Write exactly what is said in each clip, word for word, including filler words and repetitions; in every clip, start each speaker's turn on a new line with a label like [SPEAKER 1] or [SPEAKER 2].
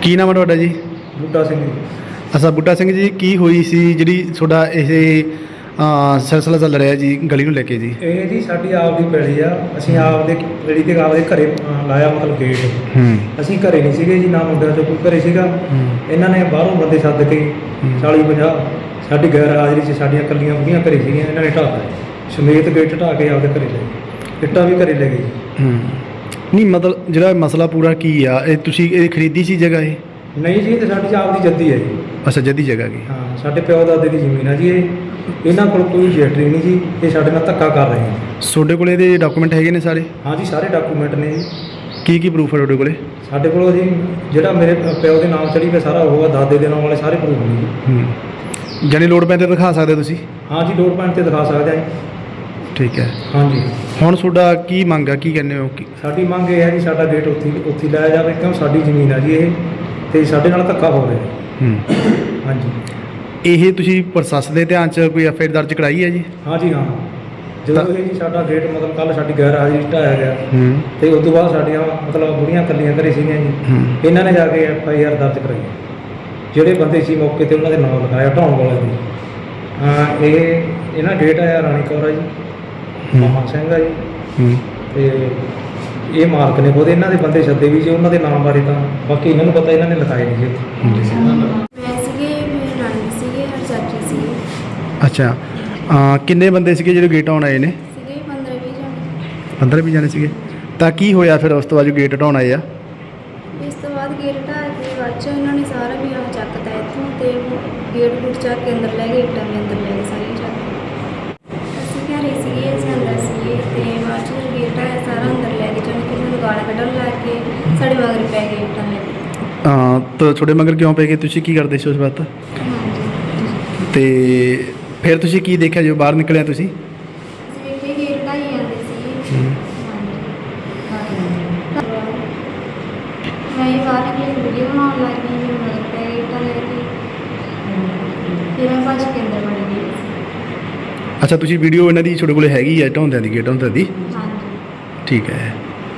[SPEAKER 1] ਕੀ ਨਾਮ ਹੈ ਤੁਹਾਡਾ ਜੀ?
[SPEAKER 2] ਬੂਟਾ ਸਿੰਘ ਜੀ।
[SPEAKER 1] ਅੱਛਾ ਬੂਟਾ ਸਿੰਘ ਜੀ, ਕੀ ਹੋਈ ਸੀ ਜਿਹੜੀ ਤੁਹਾਡਾ ਇਹ ਸਿਲਸਿਲਾ ਚੱਲ ਰਿਹਾ ਜੀ ਗਲੀ ਨੂੰ ਲੈ ਕੇ ਜੀ?
[SPEAKER 2] ਇਹ ਜੀ ਸਾਡੀ ਆਪ ਦੀ ਪੈਲੀ ਆ। ਅਸੀਂ ਆਪ ਦੇ ਪੈਲੀ ਤੇ ਆਪ ਦੇ ਘਰੇ ਅ, ਲਾਇਆ ਮਤਲਬ ਗੇਟ।
[SPEAKER 1] ਹੂੰ
[SPEAKER 2] ਅਸੀਂ ਘਰੇ ਨਹੀਂ ਸੀਗੇ ਜੀ, ਨਾ ਮੁੰਡਿਆਂ ਚੋਂ ਕੋਈ ਘਰੇ ਸੀਗਾ। ਇਹਨਾਂ ਨੇ ਬਾਹਰੋਂ ਬੰਦੇ ਸੱਦ ਕੇ ਚਾਲੀ ਪੰਜਾਹ ਸਾਡੀ ਗੈਰ ਹਾਜ਼ਰੀ 'ਚ ਸਾਡੀਆਂ ਕੱਲੀਆਂ ਬੁੜੀਆਂ ਘਰੇ ਸੀਗੀਆਂ, ਇਹਨਾਂ ਨੇ ਢਾਹ ਸਮੇਤ ਗੇਟ ਢਾਹ ਕੇ ਆਪਦੇ ਘਰੇ ਲੈ ਗਏ। ਇੱਟਾਂ ਵੀ ਘਰੇ ਲੈ ਗਏ ਜੀ।
[SPEAKER 1] ਹੂੰ ਨਹੀਂ ਮਤਲਬ ਜਿਹੜਾ ਮਸਲਾ ਪੂਰਾ ਕੀ ਆ, ਇਹ ਤੁਸੀਂ ਇਹ ਖਰੀਦੀ ਸੀ ਜਗ੍ਹਾ ਇਹ?
[SPEAKER 2] ਨਹੀਂ ਜੀ, ਇਹ ਤਾਂ ਸਾਡੀ ਆਪ ਦੀ ਜੱਦੀ ਹੈ ਜੀ।
[SPEAKER 1] ਅੱਛਾ ਜੱਦੀ ਜਗ੍ਹਾ ਕੀ?
[SPEAKER 2] ਹਾਂ, ਸਾਡੇ ਪਿਓ ਦਾਦੇ ਦੀ ਜ਼ਮੀਨ ਆ ਜੀ ਇਹ। ਇਹਨਾਂ ਕੋਲ ਕੋਈ ਰਜਿਸਟਰੀ ਨਹੀਂ ਜੀ, ਇਹ ਸਾਡੇ ਨਾਲ ਧੱਕਾ ਕਰ ਰਹੇ ਆ।
[SPEAKER 1] ਤੁਹਾਡੇ ਕੋਲ ਇਹਦੇ ਡਾਕੂਮੈਂਟ ਹੈਗੇ ਨੇ ਸਾਰੇ?
[SPEAKER 2] ਹਾਂ ਜੀ, ਸਾਰੇ ਡਾਕੂਮੈਂਟ ਨੇ ਜੀ।
[SPEAKER 1] ਕੀ ਕੀ ਪ੍ਰੂਫ ਹੈ ਤੁਹਾਡੇ ਕੋਲੇ?
[SPEAKER 2] ਸਾਡੇ ਕੋਲ ਜੀ ਜਿਹੜਾ ਮੇਰੇ ਪਿਓ ਦੇ ਨਾਮ ਚੜੀ ਪਿਆ ਸਾਰਾ ਉਹ ਆ, ਦਾਦੇ ਦੇ ਨਾਮ ਵਾਲੇ ਸਾਰੇ ਪ੍ਰੂਫ ਨੇ ਜੀ।
[SPEAKER 1] ਹੂੰ ਜਾਨੀ ਲੋੜ ਪੈਣ 'ਤੇ ਦਿਖਾ ਸਕਦੇ ਤੁਸੀਂ?
[SPEAKER 2] ਹਾਂ ਜੀ, ਲੋੜ ਪੈਣ 'ਤੇ ਦਿਖਾ ਸਕਦੇ ਆ ਜੀ।
[SPEAKER 1] ਠੀਕ ਹੈ।
[SPEAKER 2] ਹਾਂਜੀ,
[SPEAKER 1] ਹੁਣ ਤੁਹਾਡਾ ਕੀ ਮੰਗ ਆ, ਕੀ ਕਹਿੰਦੇ ਹੋ? ਕੀ
[SPEAKER 2] ਸਾਡੀ ਮੰਗ ਇਹ ਹੈ ਜੀ, ਸਾਡਾ ਗੇਟ ਉੱਥੇ ਉੱਥੇ ਲਾਇਆ ਜਾਵੇ, ਕਿਉਂ ਸਾਡੀ ਜ਼ਮੀਨ ਆ ਜੀ ਇਹ, ਤੇ ਸਾਡੇ ਨਾਲ ਧੱਕਾ ਹੋ ਰਿਹਾ।
[SPEAKER 1] ਹੂੰ
[SPEAKER 2] ਹਾਂਜੀ,
[SPEAKER 1] ਇਹ ਤੁਸੀਂ ਪ੍ਰਸ਼ਾਸਨ ਦੇ ਧਿਆਨ 'ਚ ਕੋਈ ਐਫ ਆਈ ਆਰ ਦਰਜ ਕਰਾਈ ਹੈ ਜੀ?
[SPEAKER 2] ਹਾਂ ਜੀ ਹਾਂ। ਜਦੋਂ ਇਹ ਜੀ ਸਾਡਾ ਗੇਟ ਮਤਲਬ ਕੱਲ੍ਹ ਸਾਡੀ ਗੈਰ ਹਾਜ਼ਰੀ ਢਾਇਆ ਗਿਆ,
[SPEAKER 1] ਹੂੰ
[SPEAKER 2] ਤੇ ਉਸ ਤੋਂ ਬਾਅਦ ਸਾਡੀਆਂ ਮਤਲਬ ਬੁੜੀਆਂ ਇਕੱਲੀਆਂ ਘਰੇ ਸੀਗੀਆਂ ਜੀ।
[SPEAKER 1] ਹੂੰ
[SPEAKER 2] ਇਹਨਾਂ ਨੇ ਜਾ ਕੇ ਐਫ ਆਈ ਆਰ ਦਰਜ ਕਰਾਈ। ਜਿਹੜੇ ਬੰਦੇ ਸੀ ਮੌਕੇ 'ਤੇ ਉਹਨਾਂ ਦੇ ਨਾਮ ਲਿਖਾਇਆ ਢਾਉਣ ਵਾਲੇ ਦੀ। ਹਾਂ, ਇਹ ਇਹਨਾਂ ਡੇਟ ਆਇਆ ਰਾਣੀ ਕੌਰ ਆ ਜੀ, ਮਾਮਾ ਸਿੰਘ ਆ ਜੀ,
[SPEAKER 1] ਹੂੰ
[SPEAKER 2] ਤੇ ਇਹ ਮਾਲਕ ਨੇ ਖੁਦ ਇਹਨਾਂ ਦੇ ਬੰਦੇ ਸੱਦੇ ਵੀ ਜੀ। ਉਹਨਾਂ ਦੇ ਨਾਮ ਬਾਰੇ ਤਾਂ ਬਾਕੀ ਇਹਨਾਂ ਨੂੰ ਪਤਾ, ਇਹਨਾਂ ਨੇ ਲਿਖਾਏ ਨਹੀਂ ਜੀ ਇੱਥੇ।
[SPEAKER 3] ਮੈਂ ਸੀਗੇ, ਮੇਰੇ ਨਾਨੀ ਸੀਗੇ, ਹਰ ਚਾਚੀ ਸੀਗੇ।
[SPEAKER 1] ਅੱਛਾ ਅਹ ਕਿੰਨੇ ਬੰਦੇ ਸੀਗੇ ਜਿਹੜੇ ਗੇਟ ਆਉਣ ਆਏ ਨੇ?
[SPEAKER 3] ਸੀਗੇ ਪੰਦਰਾਂ ਵੀਹ ਜਣੇ।
[SPEAKER 1] ਪੰਦਰਾਂ ਵੀਹ ਜਾਣੇ ਸੀਗੇ। ਤਾਂ ਕੀ ਹੋਇਆ ਫਿਰ ਉਸ ਤੋਂ ਬਾਅਦ ਜੋ ਗੇਟ ਹਟਾਉਣ ਆਏ ਆ?
[SPEAKER 3] ਇਸ ਤੋਂ ਬਾਅਦ ਗੇਟ ਢਾਹ ਕੇ ਬਾਅਦ 'ਚੋਂ ਇਹਨਾਂ ਨੇ ਸਾਰਾ ਵੀ ਆਹ ਚੱਕਤਾ ਇੱਥੋਂ, ਤੇ ਗੇਟ ਗੂਟ ਚੱਕ ਕੇ ਅੰਦਰ ਲੈ ਗਏ, ਇੱਟਾਂ ਵੀ ਅੰਦਰ ਲੈ ਗਏ ਸਾਰੀਆਂ ਚੱਕ ਕੇ। ਅਸੀਂ ਘਰੇ ਸੀਗੇ, ਅਸੀਂ ਅੰਦਰ ਸੀਗੇ, ਤੇ ਬਾਅਦ 'ਚ ਜਦੋਂ ਗੇਟ ਆਇਆ ਸਾਰਾ ਅੰਦਰ ਲੈ ਗਏ, ਜਾਣੀ ਕਿ ਸਾਨੂੰ ਗਾਲਾਂ ਕੱਢਣ ਲੱਗ ਕੇ ਸਾਡੇ ਮਗਰ ਪੈ ਗਏ ਇੱਟਾਂ ਲੈ ਕੇ।
[SPEAKER 1] ਅਹ ਤਾਂ ਤੁਹਾਡੇ ਮਗਰ ਕਿਉਂ ਪੈ ਗਏ? ਤੁਸੀਂ ਕੀ ਕਰਦੇ ਸੀ ਉਸ ਵਕਤ?
[SPEAKER 3] ਹਾਂਜੀ,
[SPEAKER 1] ਤੇ ਫਿਰ ਤੁਸੀਂ ਕੀ ਦੇਖਿਆ ਜੋ ਬਾਹਰ ਨਿਕਲਿਆ ਤੁਸੀਂ?
[SPEAKER 3] ਅਸੀਂ ਵੇਖੇ ਗੇਟ ਢਾਈ ਜਾਂਦੇ ਸੀ।
[SPEAKER 1] ਹੂੰ।
[SPEAKER 3] ਮੈਂ ਇਹ ਬਾਹਰ ਨਿਕਲੀ ਵੀਡੀਓ ਬਣਾਉਣ ਲੱਗ ਗਈ, ਮੇਰੇ ਮਗਰ ਪੈ ਗਈ ਇੱਟਾਂ ਲੈ ਕੇ। ਫਿਰ ਮੈਂ ਭੱਜ ਕੇ ਅੰਦਰ ਵੜ ਗਈ।
[SPEAKER 1] ਅੱਛਾ ਤੁਸੀਂ ਵੀਡੀਓ ਇਹਨਾਂ ਦੀ ਤੁਹਾਡੇ ਕੋਲ ਹੈਗੀ ਆ ਢਾਉਂਦਿਆਂ ਦੀ, ਗੇਟ ਢਾਉਂਦਿਆਂ ਦੀ?
[SPEAKER 3] ਹਾਂਜੀ।
[SPEAKER 1] ਠੀਕ ਹੈ।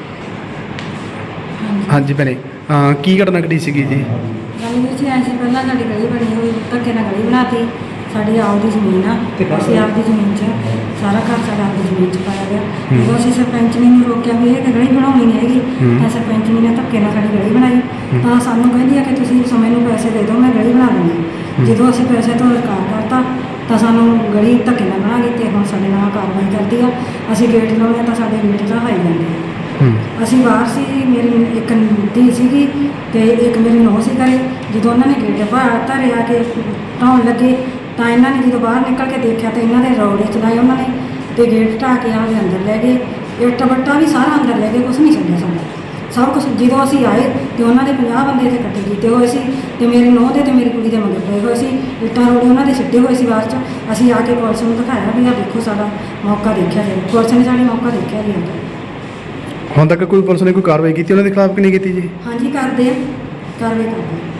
[SPEAKER 1] ਹਾਂਜੀ ਭੈਣੇ, ਅਹ ਕੀ ਘਟਨਾ ਘਟੀ ਸੀਗੀ ਜੀ?
[SPEAKER 4] ਗੱਲ ਵਿੱਚ ਐਂ ਸੀ, ਪਹਿਲਾਂ ਸਾਡੀ ਗਲੀ ਬਣੀ ਹੋਈ, ਧੱਕੇ ਨਾਲ ਗਲੀ ਬਣਾਤੀ। ਸਾਡੀ ਆਪ ਦੀ ਜ਼ਮੀਨ ਆ, ਅਸੀਂ ਆਪ ਦੀ ਜ਼ਮੀਨ 'ਚ ਸਾਰਾ ਘਰ ਸਾਡਾ ਆਪ ਦੀ ਜ਼ਮੀਨ 'ਚ ਪਾਇਆ ਗਿਆ। ਜਦੋਂ ਅਸੀਂ ਸਰਪੰਚਣੀ ਨੂੰ ਰੋਕਿਆ ਵੀ ਇਹ ਗਲੀ ਬਣਾਉਣੀ ਨਹੀਂ ਹੈਗੀ, ਤਾਂ ਸਰਪੰਚਣੀ ਨੇ ਧੱਕੇ ਨਾਲ ਸਾਡੀ ਗਲੀ ਬਣਾਈ। ਤਾਂ ਸਾਨੂੰ ਕਹਿੰਦੀ ਆ ਕਿ ਤੁਸੀਂ ਸਮੇਂ ਨੂੰ ਪੈਸੇ ਦੇ ਦਿਓ, ਮੈਂ ਗਲੀ ਬਣਾ ਦਿੰਦੀ। ਜਦੋਂ ਅਸੀਂ ਪੈਸੇ ਤੋਂ ਇਨਕਾਰ ਕਰਤਾ ਤਾਂ ਸਾਨੂੰ ਗਲੀ ਧੱਕੇ ਨਾਲ ਬਣਾ ਗਈ, ਤੇ ਹੁਣ ਸਾਡੇ ਨਾਲ ਕਾਰਵਾਈ ਕਰਦੀ ਆ। ਅਸੀਂ ਗੇਟ ਲਾਉਂਦੇ ਹਾਂ ਤਾਂ ਸਾਡੇ ਗੇਟ ਢਾਹੀ ਜਾਂਦੇ ਆ। ਅਸੀਂ ਬਾਹਰ ਸੀ, ਮੇਰੀ ਇੱਕ ਧੀ ਸੀਗੀ ਤੇ ਇੱਕ ਮੇਰੀ ਨੂੰਹ ਸੀ ਘਰੇ। ਜਦੋਂ ਉਹਨਾਂ ਨੇ ਗੇਟ ਬਾਹਰ ਧਰੇ ਆ ਕੇ ਢਾਉਣ ਲੱਗੇ ਤਾਂ ਇਹਨਾਂ ਨੇ ਜਦੋਂ ਬਾਹਰ ਨਿਕਲ ਕੇ ਦੇਖਿਆ ਤਾਂ ਇਹਨਾਂ ਦੇ ਰੌੜੇ ਚਲਾਏ ਉਹਨਾਂ ਨੇ, ਤੇ ਗੇਟ ਢਾਹ ਕੇ ਆਪਦੇ ਅੰਦਰ ਲੈ ਗਏ। ਇੱਟ ਬੱਟਾ ਵੀ ਸਾਰਾ ਅੰਦਰ ਲੈ ਗਏ, ਕੁਛ ਨਹੀਂ ਛੱਡਿਆ ਸਾਡਾ, ਸਭ ਕੁਛ। ਜਦੋਂ ਅਸੀਂ ਆਏ ਤੇ ਉਹਨਾਂ ਦੇ ਪੰਜਾਹ ਬੰਦੇ ਇੱਥੇ ਇਕੱਠੇ ਕੀਤੇ ਹੋਏ ਸੀ, ਤੇ ਮੇਰੀ ਨੂੰਹ ਦੇ ਤੇ ਮੇਰੀ ਕੁੜੀ ਦੇ ਮਗਰ ਪਏ ਹੋਏ ਸੀ। ਇੱਟਾਂ ਰੋੜੇ ਉਹਨਾਂ ਦੇ ਸਿੱਟੇ ਹੋਏ ਸੀ ਬਾਅਦ 'ਚ। ਅਸੀਂ ਆ ਕੇ ਪੁਲਿਸ ਨੂੰ ਦਿਖਾਇਆ ਵੀ ਆਹ ਦੇਖੋ ਸਾਡਾ ਮੌਕਾ ਦੇਖਿਆ ਜੀ। ਪੁਲਿਸ ਨੇ ਸਾਡਾ ਮੌਕਾ ਦੇਖਿਆ ਜੀ ਅੰਦਰ।
[SPEAKER 1] ਹੁਣ ਤੱਕ ਕੋਈ ਪੁਲਿਸ ਨੇ ਕੋਈ ਕਾਰਵਾਈ ਕੀਤੀ ਉਹਨਾਂ ਦੇ ਖਿਲਾਫ ਕਿ ਨਹੀਂ ਕੀਤੀ ਜੀ?
[SPEAKER 4] ਹਾਂਜੀ ਕਰਦੇ ਆ, ਕਾਰਵਾਈ ਕਰਦੇ ਆ।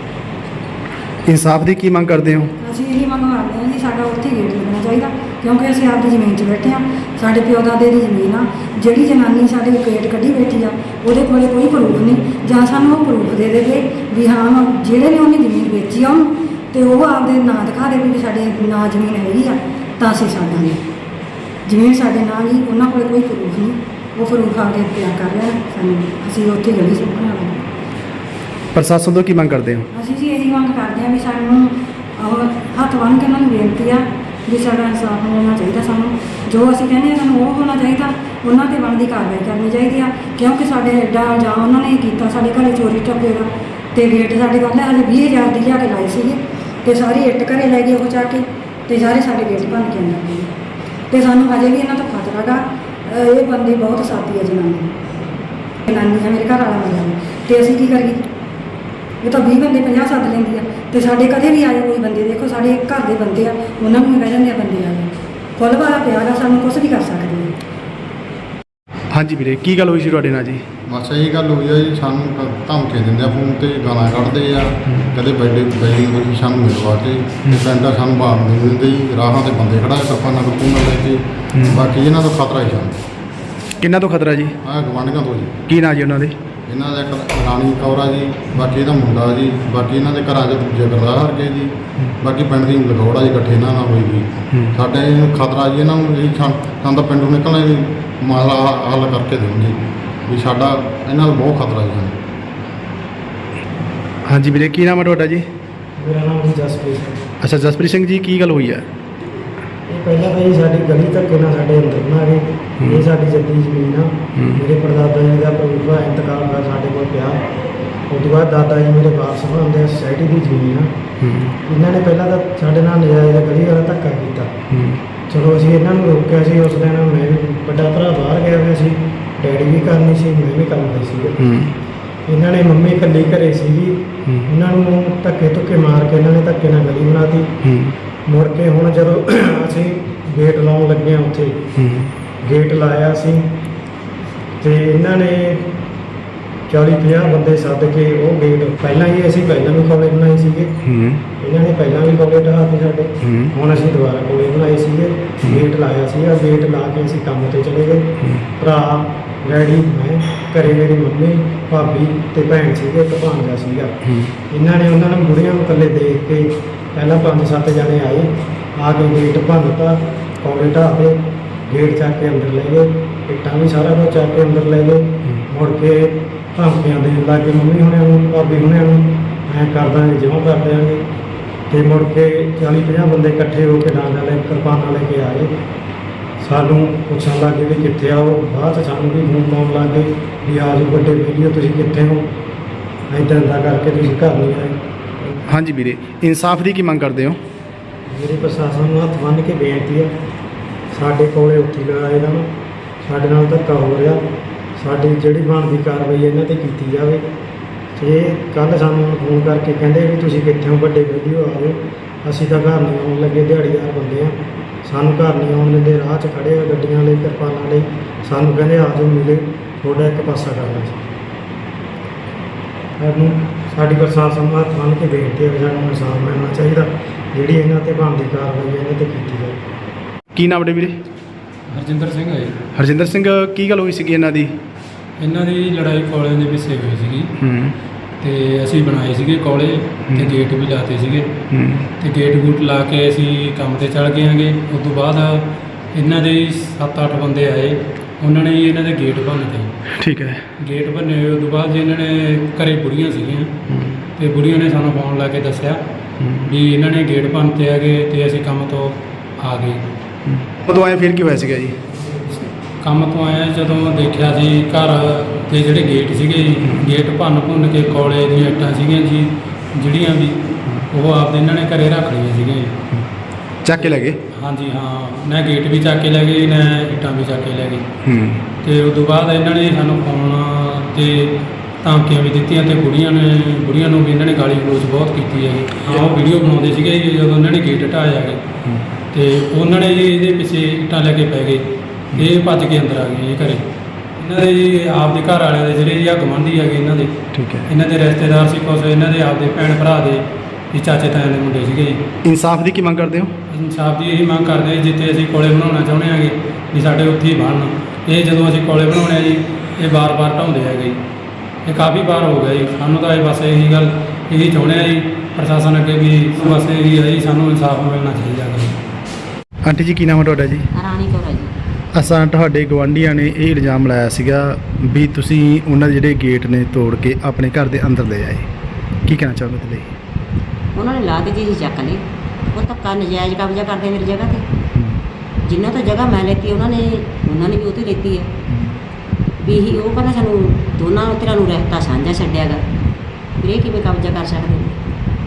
[SPEAKER 1] ਇਨਸਾਫ ਦੀ ਕੀ ਮੰਗ ਕਰਦੇ ਹੋ?
[SPEAKER 4] ਅਸੀਂ ਇਹੀ ਮੰਗ ਕਰਦੇ ਹਾਂ ਜੀ, ਸਾਡਾ ਉੱਥੇ ਗੇਟ ਲੱਗਣਾ ਚਾਹੀਦਾ, ਕਿਉਂਕਿ ਅਸੀਂ ਆਪਦੀ ਜ਼ਮੀਨ 'ਚ ਬੈਠੇ ਹਾਂ। ਸਾਡੇ ਪਿਓ ਦਾਦੇ ਦੀ ਜ਼ਮੀਨ ਆ। ਜਿਹੜੀ ਜਨਾਨੀ ਸਾਡੇ ਗੇਟ ਕੱਢੀ ਬੈਠੀ ਆ, ਉਹਦੇ ਕੋਲੇ ਕੋਈ ਪ੍ਰੂਫ ਨਹੀਂ, ਜਾਂ ਸਾਨੂੰ ਉਹ ਪ੍ਰੂਫ ਦੇ ਦੇਵੇ ਵੀ ਹਾਂ ਜਿਹੜੇ ਨੇ ਉਹਨੇ ਜ਼ਮੀਨ ਵੇਚੀ ਆ ਉਹਨੂੰ, ਤੇ ਉਹ ਆਪਦੇ ਨਾਂ ਦਿਖਾ ਦੇਵੇ ਵੀ ਸਾਡੇ ਨਾਂ ਜ਼ਮੀਨ ਹੈਗੀ ਆ, ਤਾਂ ਅਸੀਂ ਸਾਡਾ ਜ਼ਮੀਨ ਸਾਡੇ ਨਾਂ ਜੀ। ਉਹਨਾਂ ਕੋਲੇ ਕੋਈ ਪ੍ਰੂਫ ਨਹੀਂ, ਉਹ ਪ੍ਰੂਫ ਆਪਦੇ ਤਿਆਰ ਕਰ ਰਿਹਾ ਸਾਨੂੰ। ਅਸੀਂ ਉੱਥੇ ਗਲੀ ਸੁੱਕਣਾ ਲਾਂਗੇ।
[SPEAKER 1] ਪ੍ਰਸ਼ਾਸਨ ਤੋਂ ਕੀ ਮੰਗ ਕਰਦੇ ਹੋ?
[SPEAKER 4] ਅਸੀਂ ਜੀ ਇਹੀ ਮੰਗ ਕਰਦੇ ਹਾਂ ਵੀ ਸਾਨੂੰ ਉਹ ਹੱਥ ਬੰਨ੍ਹ ਕੇ ਉਹਨਾਂ ਨੂੰ ਬੇਨਤੀ ਆ ਵੀ ਸਾਡਾ ਇਨਸਾਫ ਮਿਲਣਾ ਚਾਹੀਦਾ ਸਾਨੂੰ। ਜੋ ਅਸੀਂ ਕਹਿੰਦੇ ਹਾਂ ਸਾਨੂੰ ਉਹ ਹੋਣਾ ਚਾਹੀਦਾ, ਉਹਨਾਂ 'ਤੇ ਬਣਦੀ ਕਾਰਵਾਈ ਕਰਨੀ ਚਾਹੀਦੀ ਆ, ਕਿਉਂਕਿ ਸਾਡੇ ਐਡਾ ਇਲਜ਼ਾਮ ਉਹਨਾਂ ਨੇ ਕੀਤਾ ਸਾਡੇ ਘਰੇ ਚੋਰੀ ਟੱਪੇ ਦਾ। ਤੇ ਗੇਟ ਸਾਡੇ ਕੋਲ ਹਜੇ ਵੀਹ ਹਜ਼ਾਰ ਦੀ ਲਿਆ ਕੇ ਲਾਈ ਸੀਗੀ, ਤੇ ਸਾਰੀ ਇੱਟ ਘਰੇ ਲੈ ਗਏ ਉਹ ਚੱਕ ਕੇ, ਤੇ ਸਾਰੇ ਸਾਡੇ ਗੇਟ ਭੰਨ ਕੇ ਅੰਦਰ ਗਏ। ਤੇ ਸਾਨੂੰ ਹਜੇ ਵੀ ਇਹਨਾਂ ਤੋਂ ਖਤਰਾ ਗਾ। ਇਹ ਬੰਦੇ ਬਹੁਤ ਸਾਥੀ ਆ ਜਨਾਨੀ ਜਨਾਨੀ ਆ, ਮੇਰੇ ਘਰ ਵਾਲਾ ਮਰਿਆ, ਤੇ ਅਸੀਂ ਕੀ ਕਰੀਏ? ਇਹ ਤਾਂ ਵੀਹ ਬੰਦੇ ਪੰਜਾਹ ਸੱਦ ਲੈਂਦੀ ਆ, ਤੇ ਸਾਡੇ ਕਦੇ ਵੀ ਆਏ ਕੋਈ ਬੰਦੇ, ਦੇਖੋ ਸਾਡੇ ਘਰ ਦੇ ਬੰਦੇ ਆ, ਉਹਨਾਂ ਨੂੰ ਵੀ ਕਹਿ ਜਾਂਦੇ ਆ ਬੰਦੇ ਆ ਗਏ। ਫੁੱਲ ਵਾਲਾ ਪਿਆ ਗਾ, ਸਾਨੂੰ ਕੁਛ ਵੀ ਕਰ ਸਕਦੇ ਆ।
[SPEAKER 1] ਹਾਂਜੀ ਵੀਰੇ, ਕੀ ਗੱਲ ਹੋਈ ਸੀ ਤੁਹਾਡੇ ਨਾਲ ਜੀ?
[SPEAKER 5] ਬਸ ਇਹੀ ਗੱਲ ਹੋਈ ਆ ਜੀ, ਸਾਨੂੰ ਕ- ਧਮਕੀ ਦਿੰਦੇ ਆ, ਫੋਨ ਤੇ ਗਾਲਾਂ ਕੱਢਦੇ ਆ, ਕਦੇ ਬੈਡੇ ਬੈਲੀ ਹੋਈ ਸਾਨੂੰ ਮਿਲਵਾ ਕੇ, ਤੇ ਪਿੰਡਾਂ ਸਾਨੂੰ ਬਾਹਰ ਨਹੀਂ ਦਿੰਦੇ ਜੀ। ਰਾਹਾਂ ਤੇ ਬੰਦੇ ਖੜਾ ਕਿਰਪਾਨਾਂ ਕਰਪੂਨਾਂ ਲੈ ਕੇ। ਬਾਕੀ ਇਹਨਾਂ ਤੋਂ ਖਤਰਾ ਹੀ ਸਾਨੂੰ।
[SPEAKER 1] ਕਿੰਨਾ ਤੋਂ ਖਤਰਾ ਜੀ?
[SPEAKER 5] ਆਹ ਗਵਾਂਢੀਆਂ ਤੋਂ ਜੀ।
[SPEAKER 1] ਕੀ ਨਾਂ ਜੀ ਉਹਨਾਂ ਦੇ?
[SPEAKER 5] ਇਹਨਾਂ ਦਾ ਇੱਕ ਰਾਣੀ ਕੌਰ ਆ ਜੀ, ਬਾਕੀ ਇਹਦਾ ਮੁੰਡਾ ਜੀ, ਬਾਕੀ ਇਹਨਾਂ ਦੇ ਘਰਾਂ 'ਚ ਦੂਜੇ ਗਰਦਾਰ ਕੇ ਜੀ, ਬਾਕੀ ਪਿੰਡ ਦੀ ਲਗੌੜਾ ਜੀ ਇਕੱਠੇ ਇਹਨਾਂ ਨਾਲ ਹੋਈ ਜੀ। ਸਾਡੇ ਨੂੰ ਖਤਰਾ ਜੀ ਇਹਨਾਂ ਨੂੰ ਜੀ, ਸਾਨੂੰ ਸਾਨੂੰ ਤਾਂ ਪਿੰਡੋਂ ਨਿਕਲਣਾ ਜੀ ਮਸਲਾ ਹੱਲ ਕਰਕੇ ਦਿਓ ਜੀ, ਵੀ ਸਾਡਾ ਇਹਨਾਂ ਦਾ ਬਹੁਤ ਖਤਰਾ ਜੀ ਸਾਨੂੰ।
[SPEAKER 1] ਹਾਂਜੀ ਵੀਰੇ, ਕੀ ਨਾਮ ਹੈ ਤੁਹਾਡਾ ਜੀ?
[SPEAKER 2] ਮੇਰਾ ਨਾਮ ਜੀ ਜਸਪ੍ਰੀਤ ਸਿੰਘ।
[SPEAKER 1] ਅੱਛਾ ਜਸਪ੍ਰੀਤ ਸਿੰਘ ਜੀ, ਕੀ ਗੱਲ ਹੋਈ ਹੈ?
[SPEAKER 2] ਇਹ ਪਹਿਲਾਂ ਤਾਂ ਜੀ ਸਾਡੀ ਗਲੀ ਧੱਕੇ ਨਾਲ ਸਾਡੇ ਅੰਦਰ ਬਣਾ ਗਏ। ਇਹ ਸਾਡੀ ਜੱਦੀ ਜ਼ਮੀਨ ਆ। ਮੇਰੇ ਪੜਦਾਦਾ ਜੀ ਦਾ ਪ੍ਰੂਫ ਆ, ਇੰਤਕਾਲ ਦਾ ਸਾਡੇ ਕੋਲ ਪਿਆ। ਉਸ ਤੋਂ ਬਾਅਦ ਦਾਦਾ ਜੀ ਮੇਰੇ ਵਾਰਸ ਬਣਦੇ ਆ, ਸੁਸਾਇਟੀ ਦੀ ਜ਼ਮੀਨ ਆ। ਇਹਨਾਂ ਨੇ ਪਹਿਲਾਂ ਤਾਂ ਸਾਡੇ ਨਾਲ ਨਜਾਇਜ਼ ਗਲੀ ਵਾਲਾ ਧੱਕਾ ਕੀਤਾ। ਚਲੋ ਅਸੀਂ ਇਹਨਾਂ ਨੂੰ ਰੋਕਿਆ ਸੀ। ਉਸ ਦਿਨ ਮੈਂ ਵੀ ਵੱਡਾ ਭਰਾ ਬਾਹਰ ਗਿਆ ਹੋਇਆ ਸੀ, ਡੈਡੀ ਵੀ ਕਰਨੀ ਸੀ, ਮੈਂ ਵੀ ਕੰਮ ਕਰਦੀ ਸੀ। ਇਹਨਾਂ ਨੇ ਮੰਮੀ ਇਕੱਲੀ ਘਰੇ ਸੀਗੀ, ਇਹਨਾਂ ਨੂੰ ਧੱਕੇ ਧੁੱਕੇ ਮਾਰ ਕੇ ਇਹਨਾਂ ਨੇ ਧੱਕੇ ਨਾਲ ਗਲੀ ਬਣਾਤੀ। ਮੁੜ ਕੇ ਹੁਣ ਜਦੋਂ ਅਸੀਂ ਗੇਟ ਲਾਉਣ ਲੱਗੇ ਹਾਂ, ਉੱਥੇ ਗੇਟ ਲਾਇਆ ਸੀ ਤੇ ਇਹਨਾਂ ਨੇ ਚਾਲੀ ਪੰਜਾਹ ਬੰਦੇ ਸੱਦ ਕੇ ਉਹ ਗੇਟ, ਪਹਿਲਾਂ ਹੀ ਅਸੀਂ ਪਹਿਲਾਂ ਵੀ ਕੋਲੇ ਬਣਾਏ ਸੀਗੇ, ਇਹਨਾਂ ਨੇ ਪਹਿਲਾਂ ਵੀ ਕੋਲੇ ਢਾਹਤੇ ਸਾਡੇ। ਹੁਣ ਅਸੀਂ ਦੁਬਾਰਾ ਕੋਲੇ ਬਣਾਏ ਸੀਗੇ, ਗੇਟ ਲਾਇਆ ਸੀਗਾ। ਗੇਟ ਲਾ ਕੇ ਅਸੀਂ ਕੰਮ ਤੇ ਚਲੇ ਗਏ। ਭਰਾ, ਡੈਡੀ, ਮੈਂ, ਘਰੇ ਮੇਰੀ ਮੰਮੀ, ਭਾਬੀ ਤੇ ਭੈਣ ਸੀਗੇ, ਇੱਕ ਭਾਂਜਾ ਸੀਗਾ। ਇਹਨਾਂ ਨੇ ਉਹਨਾਂ ਨੂੰ ਬੁੜੀਆਂ ਨੂੰ ਇਕੱਲੇ ਦੇਖ ਕੇ ਪਹਿਲਾਂ ਪੰਜ ਸੱਤ ਜਣੇ ਆਏ, ਆ ਕੇ ਗੇਟ ਭੰਨਤਾ, ਕੋਲੇ ਢਾਹਤੇ, ਗੇਟ ਚੱਕ ਕੇ ਅੰਦਰ ਲੈ ਗਏ, ਇੱਟਾਂ ਵੀ ਸਾਰਾ ਕੁਝ ਚੱਕ ਕੇ ਅੰਦਰ ਲੈ ਗਏ। ਮੁੜ ਕੇ ਧਮਕੀਆਂ ਦੇਣ ਲੱਗ ਗਏ ਮੰਮੀ ਹੁਣਿਆਂ ਨੂੰ, ਭਾਬੀ ਹੁਣਿਆਂ ਨੂੰ, ਐਂ ਕਰ ਦਾਂਗੇ, ਜਮਾਂ ਕਰ ਦਿਆਂਗੇ। ਅਤੇ ਮੁੜ ਕੇ ਚਾਲੀ ਪੰਜਾਹ ਬੰਦੇ ਇਕੱਠੇ ਹੋ ਕੇ ਡਾਂਗਾ ਲੈ ਕਿਰਪਾਨਾਂ ਲੈ ਕੇ ਆਏ। ਸਾਨੂੰ ਪੁੱਛਣ ਲੱਗ ਗਏ ਵੀ ਕਿੱਥੇ ਆ ਉਹ। ਬਾਅਦ 'ਚ ਸਾਨੂੰ ਵੀ ਫੋਨ ਪਾਉਣ ਲੱਗ ਗਏ ਵੀ ਆ ਜਾਓ ਵੱਡੇ ਵੀਡੀਓ, ਤੁਸੀਂ ਕਿੱਥੇ ਹੋ, ਇੱਦਾਂ ਇੱਦਾਂ ਕਰਕੇ ਤੁਸੀਂ ਘਰ ਨਹੀਂ ਆਏ।
[SPEAKER 1] ਹਾਂਜੀ ਵੀਰੇ, ਇਨਸਾਫ ਦੀ ਕੀ ਮੰਗ ਕਰਦੇ ਹੋ?
[SPEAKER 2] ਮੇਰੇ ਪ੍ਰਸ਼ਾਸਨ ਨੂੰ ਹੱਥ ਬੰਨ੍ਹ ਕੇ ਬੇਨਤੀ ਹੈ, ਸਾਡੇ ਕੋਲੇ ਉੱਥੇ ਲਗਾਏ ਇਹਨਾਂ ਨੂੰ, ਸਾਡੇ ਨਾਲ ਧੱਕਾ ਹੋ ਰਿਹਾ। ਸਾਡੀ ਜਿਹੜੀ ਬਣਦੀ ਕਾਰਵਾਈ ਇਹਨਾਂ 'ਤੇ ਕੀਤੀ ਜਾਵੇ। ਅਤੇ ਕੱਲ੍ਹ ਸਾਨੂੰ ਫੋਨ ਕਰਕੇ ਕਹਿੰਦੇ ਵੀ ਤੁਸੀਂ ਕਿੱਥੇ ਹੋ, ਵੱਡੇ ਵੀਡੀਓ ਆਵੇ। ਅਸੀਂ ਤਾਂ ਘਰ ਨਹੀਂ ਆਉਣ ਲੱਗੇ, ਦਿਹਾੜੀਦਾਰ ਬੰਦੇ ਆ, ਸਾਨੂੰ ਘਰ ਨਹੀਂ ਆਉਣ ਦਿੰਦੇ। ਰਾਹ 'ਚ ਖੜ੍ਹੇ ਆ ਗੱਡੀਆਂ ਲਈ, ਕਿਰਪਾਨਾਂ ਲਈ। ਸਾਨੂੰ ਕਹਿੰਦੇ ਆ ਜਾਓ ਮਿਲੇ, ਤੁਹਾਡਾ ਇੱਕ ਪਾਸਾ ਕਰਨਾ ਸੀ। ਸਾਨੂੰ ਸਾਡੀ ਪ੍ਰਸ਼ਾਸਨ ਨੂੰ ਹੱਥ ਬੰਨ੍ਹ ਕੇ ਬੇਨਤੀ ਹੈ ਵੀ ਸਾਨੂੰ ਇਨਸਾਫ ਮਿਲਣਾ ਚਾਹੀਦਾ, ਜਿਹੜੀ ਇਹਨਾਂ 'ਤੇ ਬਣਦੀ ਕਾਰਵਾਈ ਇਹਨਾਂ 'ਤੇ ਕੀਤੀ ਜਾਵੇ।
[SPEAKER 1] ਕੀ ਨਾਮ ਹੈ ਵੀਰੇ?
[SPEAKER 6] ਹਰਜਿੰਦਰ ਸਿੰਘ ਹੈ ਜੀ।
[SPEAKER 1] ਹਰਜਿੰਦਰ ਸਿੰਘ, ਕੀ ਗੱਲ ਹੋਈ ਸੀਗੀ ਇਹਨਾਂ ਦੀ?
[SPEAKER 6] ਇਹਨਾਂ ਦੀ ਲੜਾਈ ਕੋਲੇ ਦੇ ਪਿੱਛੇ ਹੋਈ ਸੀਗੀ
[SPEAKER 1] ਹੂੰ
[SPEAKER 6] ਤੇ ਅਸੀਂ ਬਣਾਏ ਸੀਗੇ ਕੋਲੇ ਤੇ ਗੇਟ ਵੀ ਲਾਤੇ ਸੀਗੇ
[SPEAKER 1] ਹੂੰ
[SPEAKER 6] ਤੇ ਗੇਟ ਗੂਟ ਲਾ ਕੇ ਅਸੀਂ ਕੰਮ ਤੇ ਚੜ ਗਏ ਆਂਗੇ। ਉਸ ਤੋਂ ਬਾਅਦ ਇਹਨਾਂ ਦੇ ਸੱਤ ਅੱਠ ਬੰਦੇ ਆਏ, ਉਹਨਾਂ ਨੇ ਜੀ ਇਹਨਾਂ ਦੇ ਗੇਟ ਭੰਨਤੇ।
[SPEAKER 1] ਠੀਕ ਹੈ।
[SPEAKER 6] ਗੇਟ ਭੰਨੇ ਹੋਏ ਉਸ ਤੋਂ ਬਾਅਦ ਜੀ ਇਹਨਾਂ ਨੇ ਘਰੇ ਬੁੜੀਆਂ ਸੀਗੀਆਂ ਤੇ ਬੁੜੀਆਂ ਨੇ ਸਾਨੂੰ ਫੋਨ ਲਾ ਕੇ ਦੱਸਿਆ ਵੀ ਇਹਨਾਂ ਨੇ ਗੇਟ ਭੰਨਤੇ ਹੈਗੇ ਤੇ ਅਸੀਂ ਕੰਮ ਤੋਂ ਆ ਗਏ।
[SPEAKER 1] ਉਦੋਂ ਆਏ ਫਿਰ ਕੀ ਹੋਇਆ ਸੀਗਾ ਜੀ?
[SPEAKER 6] ਕੰਮ ਤੋਂ ਆਇਆ ਜਦੋਂ ਦੇਖਿਆ ਜੀ ਘਰ ਦੇ ਜਿਹੜੇ ਗੇਟ ਸੀਗੇ ਜੀ, ਗੇਟ ਭੰਨ ਭੁੰਨ ਕੇ ਕੋਲੇ ਦੀਆਂ ਇੱਟਾਂ ਸੀਗੀਆਂ ਜੀ ਜਿਹੜੀਆਂ ਵੀ, ਉਹ ਆਪਦੇ ਇਹਨਾਂ ਨੇ ਘਰੇ ਰੱਖ ਲਈਆਂ ਸੀਗੀਆਂ ਜੀ।
[SPEAKER 1] ਚੱਕ ਕੇ ਲੈ ਗਏ?
[SPEAKER 6] ਹਾਂਜੀ ਹਾਂ, ਨਾ ਗੇਟ ਵੀ ਚੱਕ ਕੇ ਲੈ ਗਏ, ਨਾ ਇੱਟਾਂ ਵੀ ਚੱਕ ਕੇ ਲੈ ਗਏ।
[SPEAKER 1] ਹੂੰ
[SPEAKER 6] ਤੇ ਉਸ ਤੋਂ ਬਾਅਦ ਇਹਨਾਂ ਨੇ ਸਾਨੂੰ ਫੋਨ ਤੇ ਧਮਕੀਆਂ ਵੀ ਦਿੱਤੀਆਂ ਤੇ ਬੁੜੀਆਂ ਨੇ ਬੁੜੀਆਂ ਨੂੰ ਵੀ ਇਹਨਾਂ ਨੇ ਗਾਲੀ ਗਲੋਚ ਬਹੁਤ ਕੀਤੀ ਹੈਗੀ। ਹਾਂ, ਉਹ ਵੀਡੀਓ ਬਣਾਉਂਦੇ ਸੀਗੇ ਜੀ ਜਦੋਂ ਇਹਨਾਂ ਨੇ ਗੇਟ ਢਾਏ ਹੈਗੇ ਤੇ ਉਹਨਾਂ ਨੇ ਜੀ ਇਹਦੇ ਪਿੱਛੇ ਇੱਟਾਂ ਲੈ ਕੇ ਪੈ ਗਏ। ਇਹ ਭੱਜ ਕੇ ਅੰਦਰ ਆ ਗਏ ਜੀ ਘਰੇ। ਇਹਨਾਂ ਦੇ ਜੀ ਆਪਦੇ ਘਰ ਵਾਲਿਆਂ ਦੇ ਜਿਹੜੇ ਜੀ ਆ ਗਵਾਂਢੀ ਹੈਗੇ ਇਹਨਾਂ ਦੇ,
[SPEAKER 1] ਠੀਕ ਹੈ।
[SPEAKER 6] ਇਹਨਾਂ ਦੇ ਰਿਸ਼ਤੇਦਾਰ ਸੀ ਕੁਛ, ਇਹਨਾਂ ਦੇ ਆਪਦੇ ਭੈਣ ਭਰਾ ਦੇ ਜੀ ਚਾਚੇ ਤਾਇਆਂ ਦੇ ਮੁੰਡੇ ਸੀਗੇ ਜੀ।
[SPEAKER 1] ਇਨਸਾਫ ਦੀ ਕੀ ਮੰਗ ਕਰਦੇ ਹੋ?
[SPEAKER 6] ਇਨਸਾਫ ਦੀ ਇਹੀ ਮੰਗ ਕਰਦੇ ਹਾਂ ਜੀ, ਜਿੱਥੇ ਅਸੀਂ ਕੋਲੇ ਬਣਾਉਣਾ ਚਾਹੁੰਦੇ ਹਾਂਗੇ ਵੀ ਸਾਡੇ ਉੱਥੇ ਹੀ ਬਣਨ। ਇਹ ਜਦੋਂ ਅਸੀਂ ਕੋਲੇ ਬਣਾਉਣੇ ਆ ਜੀ, ਇਹ ਵਾਰ-ਵਾਰ ਢਾਉਂਦੇ ਹੈਗੇ ਜੀ। ਇਹ ਕਾਫੀ ਵਾਰ ਹੋ ਗਿਆ ਜੀ। ਸਾਨੂੰ ਤਾਂ ਇਹ ਬਸ ਇਹੀ ਗੱਲ ਇਹੀ ਚਾਹੁੰਦੇ ਆ ਜੀ ਪ੍ਰਸ਼ਾਸਨ ਅੱਗੇ ਵੀ ਬਸ ਇਹੀ ਹੈ ਜੀ, ਸਾਨੂੰ ਇਨਸਾਫ ਮਿਲਣਾ ਚਾਹੀਦਾ ਹੈ।
[SPEAKER 1] ਆਂਟੀ ਜੀ, ਕੀ ਨਾਮ ਹੈ ਤੁਹਾਡਾ ਜੀ?
[SPEAKER 7] ਰਾਣੀ ਕੌਰ ਹੈ ਜੀ।
[SPEAKER 1] ਅਸਾਂ ਤੁਹਾਡੇ ਗਵਾਂਢੀਆਂ ਨੇ ਇਹ ਇਲਜ਼ਾਮ ਲਾਇਆ ਸੀਗਾ ਵੀ ਤੁਸੀਂ ਉਹਨਾਂ ਦੇ ਜਿਹੜੇ ਗੇਟ ਨੇ ਤੋੜ ਕੇ ਆਪਣੇ ਘਰ ਦੇ ਅੰਦਰ ਲੈ ਆਏ, ਕੀ ਕਹਿਣਾ ਚਾਹੋਗੇ ਉਹਦੇ ਲਈ?
[SPEAKER 7] ਉਹਨਾਂ ਨੇ ਲਾ ਦਿੱਤੀ ਜੀ ਚੱਕ ਲਈ। ਉਹ ਧੱਕਾ ਨਜਾਇਜ਼ ਕਬਜ਼ਾ ਕਰਦੇ ਮੇਰੀ ਜਗ੍ਹਾ ਤੇ। ਜਿੰਨਾਂ ਤੋਂ ਜਗ੍ਹਾ ਮੈਂ ਲੈਤੀ ਉਹਨਾਂ ਨੇ ਉਹਨਾਂ ਨੇ ਵੀ ਉਹ ਤੋਂ ਲੈਤੀ ਹੈ ਵੀ ਇਹੀ ਉਹ ਕਹਿੰਦਾ ਸਾਨੂੰ ਦੋਨਾਂ ਧਿਰਾਂ ਨੂੰ ਰਹਿਤਾ ਸਾਂਝਾ ਛੱਡਿਆ ਗਾ, ਫਿਰ ਇਹ ਕਿਵੇਂ ਕਬਜ਼ਾ ਕਰ ਸਕਦੇ ਨੇ?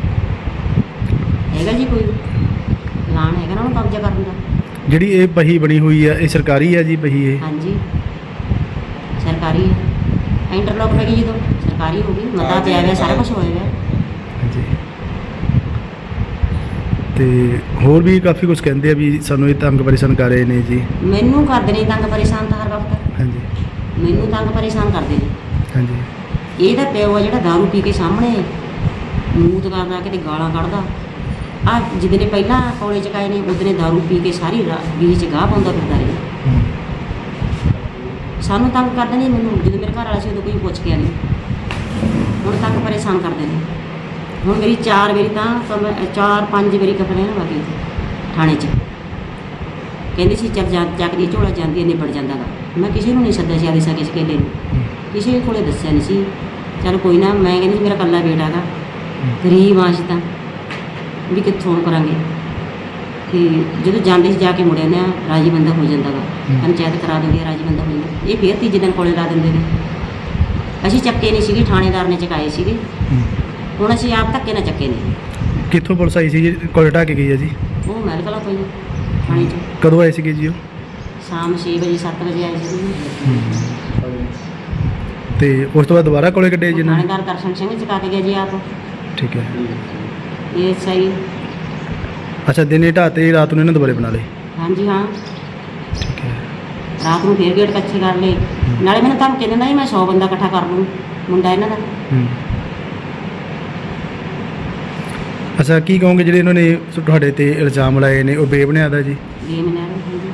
[SPEAKER 7] ਹੈਗਾ ਜੀ ਕੋਈ ਲਾਣ ਹੈਗਾ ਨਾ ਉਹਨੂੰ ਕਬਜ਼ਾ ਕਰਨ ਦਾ?
[SPEAKER 1] ਜਿਹੜੀ ਇਹ ਬਹੀ ਬਣੀ ਹੋਈ ਆ, ਇਹ ਸਰਕਾਰੀ ਆ ਜੀ ਬਹੀ ਇਹ?
[SPEAKER 7] ਹਾਂਜੀ ਸਰਕਾਰੀ ਹੈ। ਇੰਟਰਲੋਕ ਪੈ ਗਈ ਜਦੋਂ ਸਰਕਾਰੀ ਹੋ ਗਈ, ਮਤਾ ਪਿਆ ਗਿਆ, ਸਾਰਾ ਕੁਝ ਹੋਇਆ ਗਿਆ।
[SPEAKER 1] ਹਾਂਜੀ। ਤੇ ਹੋਰ ਵੀ ਕਾਫੀ ਕੁਝ ਕਹਿੰਦੇ ਆ ਵੀ ਸਾਨੂੰ ਇਹ ਤੰਗ ਪਰੇਸ਼ਾਨ ਕਰ ਰਹੇ ਨੇ ਜੀ।
[SPEAKER 7] ਮੈਨੂੰ ਕਰਦੇ ਨੇ ਤੰਗ ਪਰੇਸ਼ਾਨ ਤਾਂ ਹਰ ਵਕਤ,
[SPEAKER 1] ਹਾਂਜੀ
[SPEAKER 7] ਮੈਨੂੰ ਤੰਗ ਪਰੇਸ਼ਾਨ ਕਰਦੇ ਨੇ।
[SPEAKER 1] ਹਾਂਜੀ।
[SPEAKER 7] ਇਹਦਾ ਪਿਓ ਆ ਜਿਹੜਾ ਦਾਰੂ ਪੀ ਕੇ ਸਾਹਮਣੇ ਮੂਤ ਕਰਦਾ, ਕਿਤੇ ਗਾਲਾਂ ਕੱਢਦਾ। ਆ ਜਿਹਦੇ ਨੇ ਪਹਿਲਾਂ ਕੋਲੇ ਚਕਾਏ ਨੇ, ਉਹਦੇ ਨੇ ਦਾਰੂ ਪੀ ਕੇ ਸਾਰੀ ਬੀਹੀ 'ਚ ਗਾਹ ਪਾਉਂਦਾ ਫਿਰਦਾ ਰਿਹਾ। ਸਾਨੂੰ ਤੰਗ ਕਰਦੇ ਨੇ। ਮੈਨੂੰ ਜਦੋਂ ਮੇਰੇ ਘਰ ਵਾਲਾ ਸੀ ਉਦੋਂ ਕੋਈ ਪੁੱਛ ਕੇ ਨਹੀਂ। ਹੁਣ ਤੱਕ ਪਰੇਸ਼ਾਨ ਕਰਦੇ ਨੇ। ਹੁਣ ਮੇਰੀ ਚਾਰ ਵਾਰੀ ਤਾਂ ਕਮ- ਚਾਰ ਪੰਜ ਵਾਰੀ ਕੰਪਲੇਨ ਲੱਗੀ ਥਾਣੇ 'ਚ। ਕਹਿੰਦੇ ਸੀ ਚੱਲ ਜਾ ਚੱਕਦੀ ਝੋਲਾ ਜਾਂਦੀ ਨਿਬੜ ਜਾਂਦਾ ਗਾ। ਮੈਂ ਕਿਸੇ ਨੂੰ ਨਹੀਂ ਸੱਦਿਆ ਸੀ ਆਦੀ ਸਕੇ ਸਕੇਲੇ ਨੂੰ, ਕਿਸੇ ਕੋਲੇ ਦੱਸਿਆ ਨਹੀਂ ਸੀ। ਚੱਲ ਕੋਈ ਨਾ, ਮੈਂ ਕਹਿੰਦੀ ਸੀ ਮੇਰਾ ਇਕੱਲਾ ਬੇਟਾ ਗਾ, ਗਰੀਬ ਆਂ ਅਸੀਂ ਤਾਂ ਵੀ ਕਿੱਥੋਂ ਕਰਾਂਗੇ। ਤੇ ਜਦੋਂ ਜਾਂਦੇ ਸੀ ਜਾ ਕੇ ਮੁੜਿਆ ਨਾ ਰਾਜੀ ਬੰਦਾ ਹੋ ਜਾਂਦਾ ਗਾ, ਪੰਚਾਇਤ ਕਰਾ ਦਿੰਦੀ ਹੈ, ਰਾਜੀ ਬੰਦਾ ਹੋ ਜਾਂਦਾ। ਇਹ ਫੇਰ ਤੀਜੇ ਦਿਨ ਕੋਲੇ ਲਾ ਦਿੰਦੇ ਨੇ। ਅਸੀਂ ਚੱਕੇ ਨਹੀਂ ਸੀਗੇ, ਥਾਣੇਦਾਰ ਨੇ ਚਕਾਏ ਸੀਗੇ। ਹੁਣ ਅਸੀਂ ਆਪ ਧੱਕੇ ਨਾਲ ਚੱਕੇ ਨੇ।
[SPEAKER 1] ਕਿੱਥੋਂ ਪੁਲਿਸ ਆਈ ਸੀ ਜੀ ਕੋਲ ਢਾਹ ਕੇ ਗਈ ਹੈ ਜੀ?
[SPEAKER 7] ਉਹ ਮਹਿਲ ਕਲਾ ਤੋਂ ਜੀ ਥਾਣੇ 'ਚ
[SPEAKER 1] ਕਦੋਂ ਆਏ ਸੀਗੇ ਜੀ ਉਹ?
[SPEAKER 7] ਸ਼ਾਮ ਛੇ ਵਜੇ ਸੱਤ ਵਜੇ ਆਏ ਸੀ।
[SPEAKER 1] ਤੇ ਉਸ ਤੋਂ ਬਾਅਦ ਦੁਬਾਰਾ ਕੋਲੇ ਕੱਢੇ ਜੀ ਇਹਨਾਂ ਨੇ?
[SPEAKER 7] ਥਾਣੇਦਾਰ ਦਰਸ਼ਨ ਸਿੰਘ ਚਕਾ ਕੇ ਗਿਆ ਜੀ ਆਪ।
[SPEAKER 1] ਠੀਕ ਹੈ।
[SPEAKER 7] ਇਹ ਸਹੀ।
[SPEAKER 1] ਅੱਛਾ, ਦਿਨੇ ਢਾਤੇ, ਰਾਤ ਨੂੰ ਇਹਨਾਂ ਦੁਬਾਰੇ ਬਣਾ ਲਏ?
[SPEAKER 7] ਹਾਂਜੀ ਹਾਂ,
[SPEAKER 1] ਠੀਕ ਹੈ।
[SPEAKER 7] ਰਾਤ ਨੂੰ ਫੇਰ ਗੇਟ ਕੱਚੇ ਕਰ ਲਏ। ਨਾਲੇ ਮੈਨੂੰ ਧਮਕੀ ਦਿੰਦਾ ਸੀ ਮੈਂ ਸੌ ਬੰਦਾ ਇਕੱਠਾ ਕਰ ਲੂੰ, ਮੁੰਡਾ ਇਹਨਾਂ ਦਾ।
[SPEAKER 1] ਹੂੰ। ਅੱਛਾ, ਕੀ ਕਹੋਗੇ ਜਿਹੜੇ ਇਹਨਾਂ ਨੇ ਤੁਹਾਡੇ ਤੇ ਇਲਜ਼ਾਮ ਲਾਏ ਨੇ ਉਹ ਬੇਬੁਨਿਆਦ ਆ ਜੀ?
[SPEAKER 7] ਇਹ ਮੈਂ ਹਾਂਜੀ।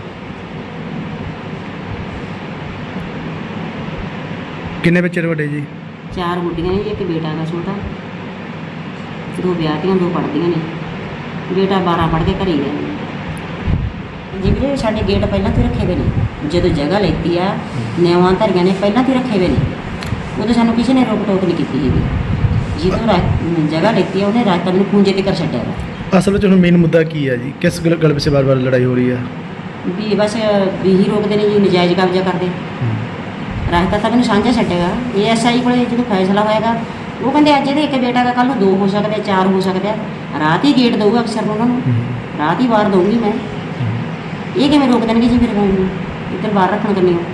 [SPEAKER 1] ਕਿੰਨੇ ਬੱਚੇ ਤੁਹਾਡੇ ਜੀ?
[SPEAKER 7] ਚਾਰ ਗੁੱਡੀਆਂ ਨੇ ਜੀ, ਇੱਕ ਬੇਟਾ ਦਾ ਛੋਟਾ, ਦੋ ਵਿਆਹਤੀਆਂ, ਦੋ ਪੜ੍ਹਦੀਆਂ ਨੇ। ਬੇਟਾ ਬਾਰਾਂ ਪੜ੍ਹ ਕੇ ਘਰੇ ਹੀ ਗਿਆ ਜੀ। ਵੀਰੇ ਸਾਡੇ ਗੇਟ ਪਹਿਲਾਂ ਤੋਂ ਹੀ ਰੱਖੇ ਹੋਏ ਨੇ। ਜਦੋਂ ਜਗ੍ਹਾ ਲੈਤੀ ਆ ਨਿਆਵਾਂ ਧਰੀਆਂ ਨੇ ਪਹਿਲਾਂ ਤੋਂ ਹੀ ਰੱਖੇ ਹੋਏ ਨੇ। ਉਦੋਂ ਸਾਨੂੰ ਕਿਸੇ ਨੇ ਰੋਕ ਟੋਕ ਨਹੀਂ ਕੀਤੀ ਹੈਗੀ। ਜਦੋਂ ਰਾ- ਜਗ੍ਹਾ ਲੈਤੀ ਆ ਉਹਨੇ ਰਾਤ ਮੈਨੂੰ ਖੂੰਜੇ ਤੇ ਕਰ ਛੱਡਿਆ ਵਾ।
[SPEAKER 1] ਅਸਲ ਵਿੱਚ ਹੁਣ ਮੇਨ ਮੁੱਦਾ ਕੀ ਹੈ ਜੀ? ਕਿਸ ਗੱਲ ਗੱਲ ਪਿੱਛੇ ਵਾਰ-ਵਾਰ ਲੜਾਈ ਹੋ ਰਹੀ ਹੈ?
[SPEAKER 7] ਵੀ ਬਸ ਵੀ ਹੀ ਰੋਕਦੇ ਨੇ ਜੀ, ਨਜਾਇਜ਼ ਕਬਜ਼ਾ ਕਰਦੇ। ਰਾਸਤਾ ਤਾਂ ਮੈਨੂੰ ਸਾਂਝਾ ਛੱਡੇਗਾ। ਏ ਐਸ ਆਈ ਕੋਲੇ ਜਦੋਂ ਫੈਸਲਾ ਹੋਏਗਾ ਉਹ ਕਹਿੰਦੇ ਅੱਜ ਇਹਦੇ ਇੱਕ ਬੇਟਾ ਦਾ, ਕੱਲ੍ਹ ਨੂੰ ਦੋ ਹੋ ਸਕਦੇ, ਚਾਰ ਹੋ ਸਕਦੇ ਆ। ਰਾਤ ਹੀ ਗੇਟ ਦਊਗਾ ਅਕਸਰ ਨੂੰ ਉਹਨਾਂ ਨੂੰ, ਰਾਤ ਹੀ ਬਾਹਰ ਦਊਂਗੀ ਮੈਂ। ਇਹ ਕਿਵੇਂ ਰੋਕ ਦੇਣਗੇ ਜੀ ਮੇਰੇ ਨੂੰ ਇੱਧਰ ਬਾਹਰ ਰੱਖਣ ਕਰਨੀ?